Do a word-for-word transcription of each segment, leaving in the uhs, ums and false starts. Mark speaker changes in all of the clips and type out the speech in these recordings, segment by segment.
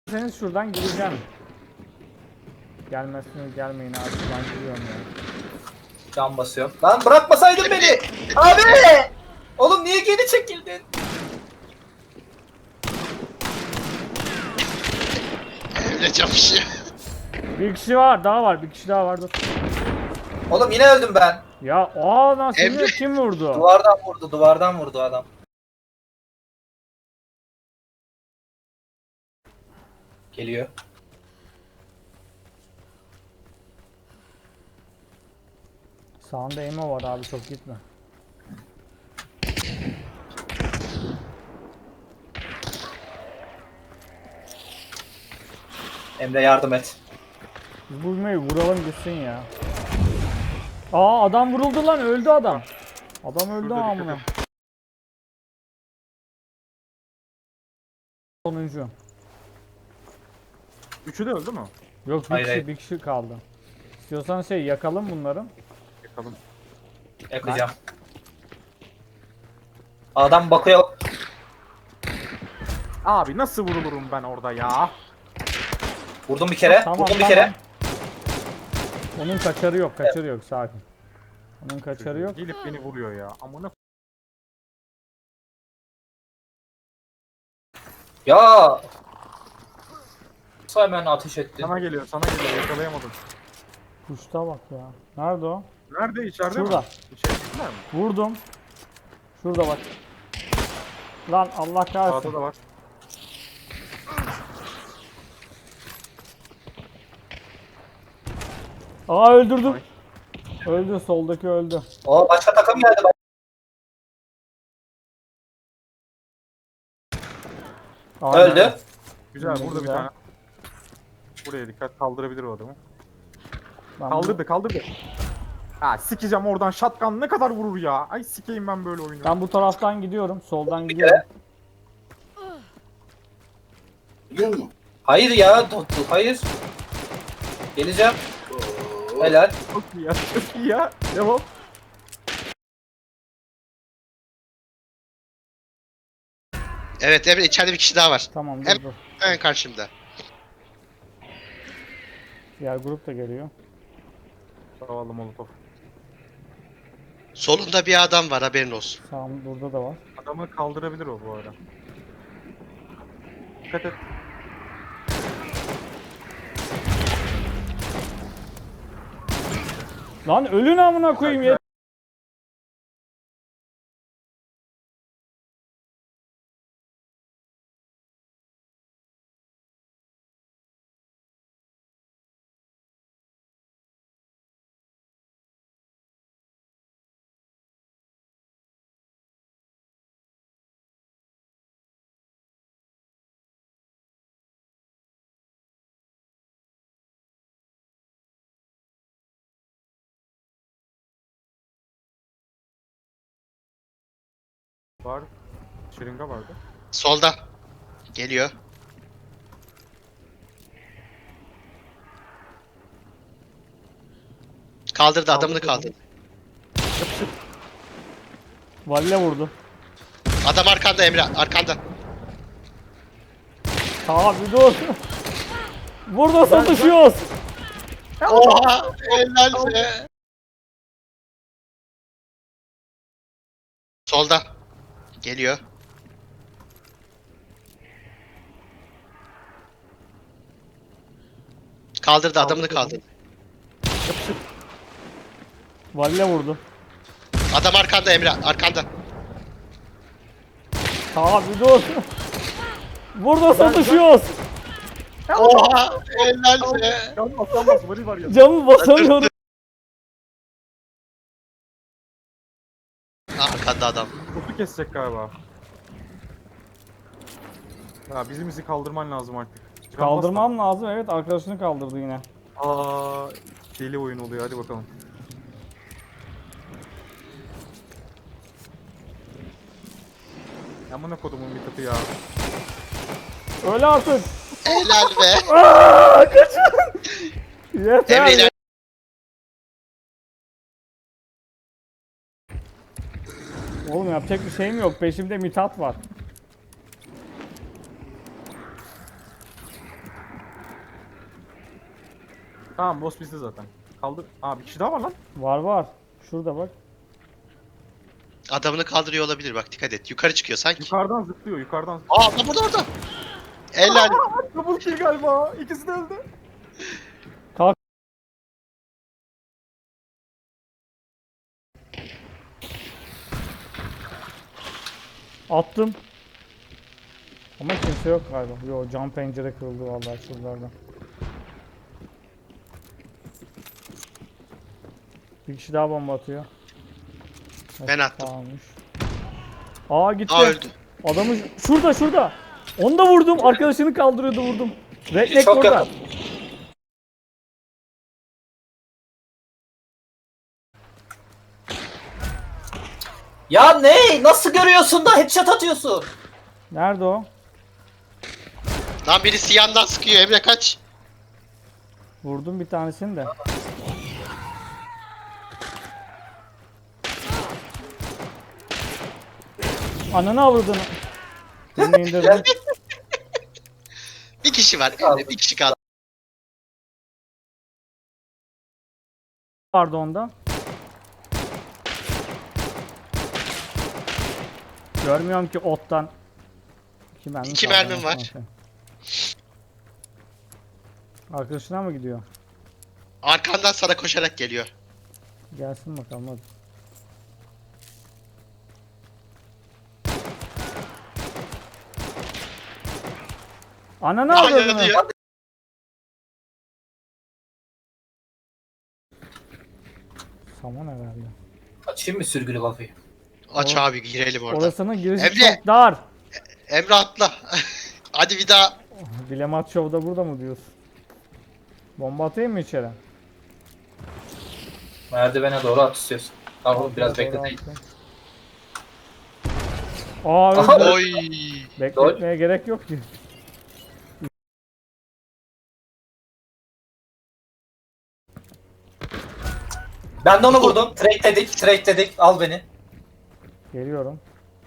Speaker 1: Sen şuradan gireceğim. Gelmezsiniz, gelmeyin abi, ben giriyorum ya.
Speaker 2: Can basıyor. Lan bırakmasaydın beni. Abi! Oğlum niye geri çekildin?
Speaker 3: Öyle çalışıyor.
Speaker 1: Bir kişi var, daha var, bir kişi daha var. Dur.
Speaker 2: Oğlum yine öldüm ben.
Speaker 1: Ya aa nasıl
Speaker 3: Emre.
Speaker 1: kim vurdu?
Speaker 2: Duvardan vurdu, duvardan vurdu adam. Geliyor.
Speaker 1: Sağında Emo var abi, çok gitme.
Speaker 2: Emre yardım et.
Speaker 1: Biz bu Emo'yu vuralım gitsin ya. Aa adam vuruldu lan, öldü adam. Adam öldü
Speaker 4: Şurada
Speaker 1: amına.
Speaker 4: dikkat
Speaker 1: Sonuncu.
Speaker 4: Üçü de öldü mü?
Speaker 1: Yok bir
Speaker 2: Hayır,
Speaker 1: kişi,
Speaker 2: hayır.
Speaker 1: bir kişi kaldı. İstiyorsan şey yakalım bunları.
Speaker 4: Yakalım.
Speaker 2: Yakacağım. Adam bakıyor.
Speaker 4: Abi nasıl vurulurum ben orada ya?
Speaker 2: Vurdum bir kere.
Speaker 1: Tamam,
Speaker 2: Vurdum bir
Speaker 1: tamam.
Speaker 2: kere.
Speaker 1: Onun kaçarı yok, kaçarı yok, sakin. Onun kaçarı yok.
Speaker 4: Gelip beni vuruyor ya. Amına
Speaker 2: Ya. Nasıl hemen ateş ettin?
Speaker 4: sana geliyor, sana geliyor. Yakalayamadım.
Speaker 1: Kuşta bak ya. Nerede o?
Speaker 4: Nerede? İçeride
Speaker 1: Şurada.
Speaker 4: mi? İçeride mi?
Speaker 1: Vurdum. Şurada bak. Lan Allah kahretsin.
Speaker 4: Sağda da var.
Speaker 1: Aa öldürdüm.
Speaker 4: Ay.
Speaker 1: Öldü, soldaki öldü.
Speaker 2: O başka takım geldi.
Speaker 1: Aynen.
Speaker 2: Öldü.
Speaker 4: Güzel,
Speaker 1: Ne
Speaker 4: burada bir
Speaker 1: güzel.
Speaker 4: tane. Buraya dikkat, kaldırabilir o adamı.
Speaker 1: Ben
Speaker 4: Kaldırdı, kaldırdı. Ha sikeceğim oradan, shotgun ne kadar vurur ya. Ay sikeyim ben böyle oyunu.
Speaker 1: Bu, ben bu taraftan gidiyorum. Soldan
Speaker 2: Bir
Speaker 1: gidiyorum.
Speaker 2: kere. Hayır ya. dur, dur, Hayır. Geleceğim. Helal.
Speaker 4: Çok iyi ya, çok iyi ya. Devam.
Speaker 3: Evet Emre, içeride bir kişi daha var.
Speaker 1: Tamam dur
Speaker 3: Hem-
Speaker 1: dur.
Speaker 3: Hemen karşımda.
Speaker 1: Diğer grup da geliyor.
Speaker 4: Zavallı molotof.
Speaker 3: Solunda bir adam var, haberin olsun.
Speaker 1: Sağım burada da var.
Speaker 4: Adamı kaldırabilir o bu arada. Dikkat et.
Speaker 1: Lan ölün amına koyayım ya.
Speaker 4: Var. Şırınga vardı.
Speaker 3: Solda. Geliyor. Kaldırdı, adamını kaldırdı.
Speaker 1: Valle vurdu.
Speaker 3: Adam arkanda Emre, arkanda.
Speaker 1: Abi dur. Burada satışıyoruz.
Speaker 3: Oha! Helal be! Solda. Geliyor. Kaldırdı, adamını kaldırdı.
Speaker 1: Valle vurdu.
Speaker 3: Adam arkanda Emre, arkanda.
Speaker 1: Abi dur. Burada satışıyoruz.
Speaker 3: Oha! Helal be!
Speaker 4: Can bas, can bas. Vali var ya.
Speaker 1: Camı basamıyorum.
Speaker 3: Arkanda adam.
Speaker 4: Kutu kesecek galiba. Ya bizim bizi kaldırman lazım artık. Can bas da.
Speaker 1: Kaldırmam lazım, evet, arkadaşını kaldırdı yine.
Speaker 4: Aa, deli oyun oluyor, hadi bakalım. Amına kodumun bir katı ya.
Speaker 1: Öyle artık.
Speaker 3: Helal be!
Speaker 1: Aa, kaçın. Yeter.
Speaker 3: Emre iler-
Speaker 1: Oğlum yapacak bir şeyim yok. Peşimde Mithat var.
Speaker 4: Tamam boss bizde zaten. Kaldır. Aa bir kişi daha var lan.
Speaker 1: Var var. Şurada bak.
Speaker 3: Adamını kaldırıyor olabilir bak dikkat et. Yukarı çıkıyor sanki.
Speaker 4: Yukarıdan zıplıyor yukarıdan.
Speaker 3: Aa adam burada orada. Helal.
Speaker 4: Double kill galiba. İkisi de öldü.
Speaker 1: Kalk. Attım. Ama kimse yok galiba. Yo, cam pencere kırıldı vallahi şuralardan. Bir kişi daha bomba atıyor.
Speaker 3: Ben attım.
Speaker 1: Tamammış. Aa gitti.
Speaker 3: Aa öldü.
Speaker 1: Adamı şurada şurada. Onu da vurdum. Arkadaşını kaldırıyordu vurdum. Redneck
Speaker 2: Çok
Speaker 1: burada.
Speaker 2: yakın. Ya ne? Nasıl görüyorsun da headshot atıyorsun?
Speaker 1: Nerede o?
Speaker 3: Lan birisi yandan sıkıyor Emre kaç.
Speaker 1: Vurdum bir tanesini de. Ananı avradını. Seni indirdim.
Speaker 3: Bir kişi var Emre bir kişi kaldı.
Speaker 1: Vardı onda. Görmüyorum ki ottan. İki mermi
Speaker 3: İki
Speaker 1: kaldı
Speaker 3: mermim
Speaker 1: anasını
Speaker 3: var.
Speaker 1: satayım. Arkadaşına mı gidiyor?
Speaker 3: Arkandan sana koşarak geliyor.
Speaker 1: Gelsin bakalım hadi. Ananı
Speaker 3: Aa,
Speaker 1: avradını.
Speaker 3: yanıyor.
Speaker 1: Saman herhalde.
Speaker 2: Açayım mı sürgülü kafayı?
Speaker 3: Aç
Speaker 1: O-
Speaker 3: abi girelim orada.
Speaker 1: Orasının girişi
Speaker 3: Emre!
Speaker 1: çok dar.
Speaker 3: Emre atla. Hadi bir daha.
Speaker 1: Bilemat Show'da burada mı diyorsun? Bomba atayım mı içeri?
Speaker 2: Merdivene doğru at istiyorsun. Tamam oğlum biraz
Speaker 1: Doğru
Speaker 2: bekleteyin.
Speaker 1: attım. Aa
Speaker 2: Aha,
Speaker 1: öldü.
Speaker 3: Oy.
Speaker 1: Bekletmeye gerek yok ki.
Speaker 2: Ben de onu vurdum. Trade dedik, trade dedik. Al beni.
Speaker 1: Geliyorum.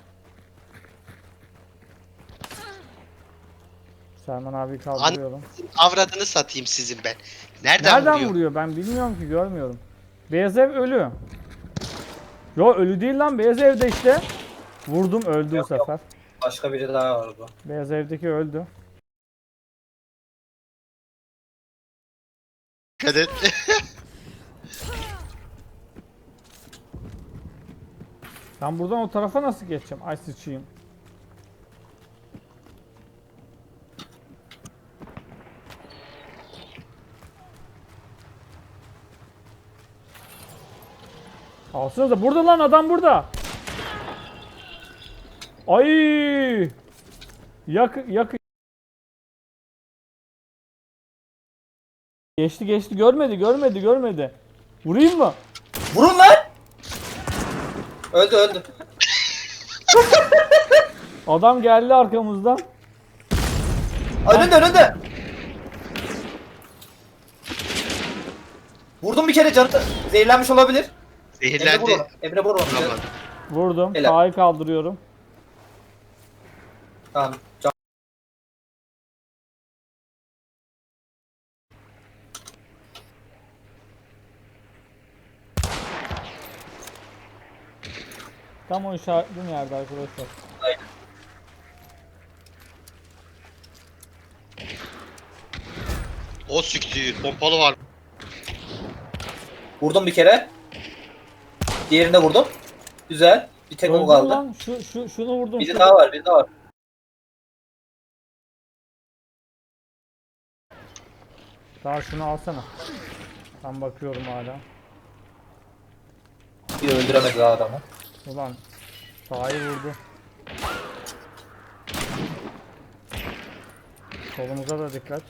Speaker 1: Selman abi kaldırıyorum.
Speaker 3: Avradını satayım sizin ben. Nereden,
Speaker 1: Nereden
Speaker 3: vuruyor?
Speaker 1: vuruyor? Ben bilmiyorum ki, görmüyorum. Beyaz ev ölü. Yo ölü değil lan, beyaz evde işte. Vurdum öldü bu
Speaker 2: Yok, yok.
Speaker 1: sefer.
Speaker 2: Başka biri daha var bu.
Speaker 1: Beyaz evdeki öldü.
Speaker 3: Dikkat et.
Speaker 1: Ben buradan o tarafa nasıl geçeceğim? Ay sıçayım. Alsanıza, burada lan adam burada. Ay! Yak yak. Geçti geçti, görmedi görmedi görmedi. Vurayım mı?
Speaker 2: Vurun lan! Öldü öldü.
Speaker 1: Adam geldi arkamızdan.
Speaker 2: Önünde önünde. Vurdum bir kere canı zehirlenmiş olabilir. Emre vur
Speaker 3: Zehirlendi.
Speaker 2: onu. Emre vur onu.
Speaker 3: Vuramadım.
Speaker 1: Vurdum.
Speaker 2: Helal.
Speaker 1: Sağı kaldırıyorum.
Speaker 2: Tamam. Can...
Speaker 1: Tam o işaretlediğim yerde arkadaşlar.
Speaker 2: Aynen.
Speaker 3: O siktir. Pompalı var.
Speaker 2: Vurdum bir kere. Diğerine vurdum. Güzel. Bir tek o
Speaker 1: Öldüm
Speaker 2: kaldı.
Speaker 1: lan. Şu, şu, şunu vurdum.
Speaker 2: Biri
Speaker 1: Şu-
Speaker 2: daha var, biri daha var.
Speaker 1: Daha şunu alsana. Ben bakıyorum hala.
Speaker 2: Bir öldüremedi daha adamı.
Speaker 1: Ulan sağı vurdu. Solumuza da dikkat.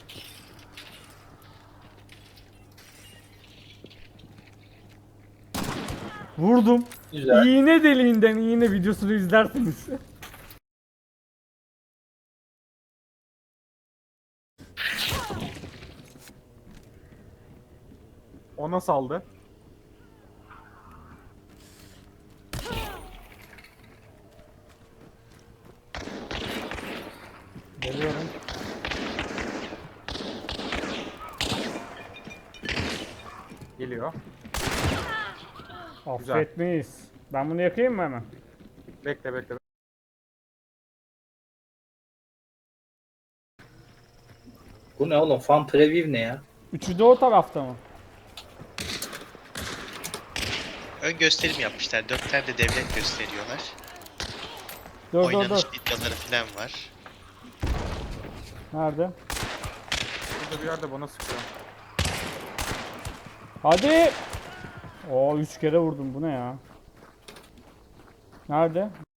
Speaker 1: Vurdum.
Speaker 2: Güzel.
Speaker 1: İğne deliğinden iğne videosunu izlersiniz.
Speaker 4: Ona saldı.
Speaker 1: Geliyorum.
Speaker 4: geliyor.
Speaker 1: Affetmeyiz. Ben bunu yakayım mı hemen?
Speaker 4: Bekle bekle.
Speaker 2: Bu ne oğlum? Fan preview ne ya?
Speaker 1: Üçü de o tarafta mı?
Speaker 3: Ön gösterim yapmışlar. Dört tane de devlet gösteriyorlar.
Speaker 1: Dur dur
Speaker 3: Oynanış
Speaker 1: dur.
Speaker 3: videoları falan var.
Speaker 1: Nerede?
Speaker 4: Burada bir yerde bana sıkıyor.
Speaker 1: Hadi. Oo üç kere vurdum, bu ne ya? Nerede?